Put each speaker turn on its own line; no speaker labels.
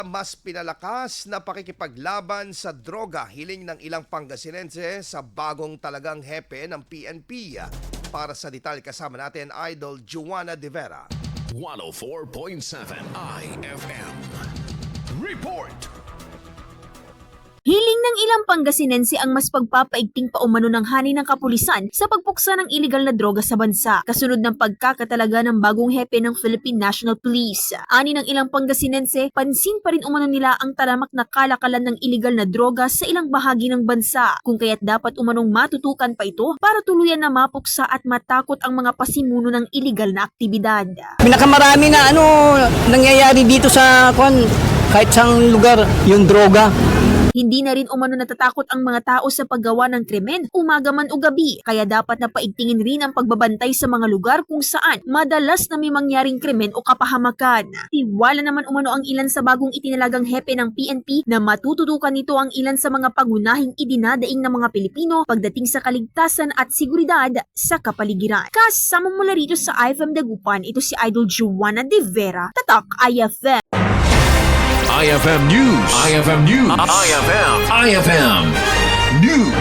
Mas pinalakas na pakikipaglaban sa droga, hiling ng ilang Pangasinense sa bagong talagang hepe ng PNP. Para sa detalye kasama natin, Idol Juana De Vera.
104.7 IFM. Report!
Hiling ng ilang Pangasinense ang mas pagpapaigting paumano ng hani ng kapulisan sa pagpuksa ng iligal na droga sa bansa, kasunod ng pagkakatalaga ng bagong hepe ng Philippine National Police. Ani ng ilang Pangasinense, pansin pa rin umano nila ang taramak na kalakalan ng iligal na droga sa ilang bahagi ng bansa, kung kaya't dapat umanong matutukan pa ito para tuluyan na mapuksa at matakot ang mga pasimuno ng iligal na aktibidad.
Pinakamarami na nangyayari dito sa kahit saang lugar, yung droga.
Hindi na rin umano natatakot ang mga tao sa paggawa ng krimen, umaga man o gabi, kaya dapat na paigtingin rin ang pagbabantay sa mga lugar kung saan madalas na may mangyaring krimen o kapahamakan. Tiwala naman umano ang ilan sa bagong itinalagang hepe ng PNP na matututukan nito ang ilan sa mga pangunahing idinadaing ng mga Pilipino pagdating sa kaligtasan at seguridad sa kapaligiran. Kasama mula rito sa IFM Dagupan, ito si Idol Juana De Vera, Tatak IFM.
IFM News. IFM News. IFM News.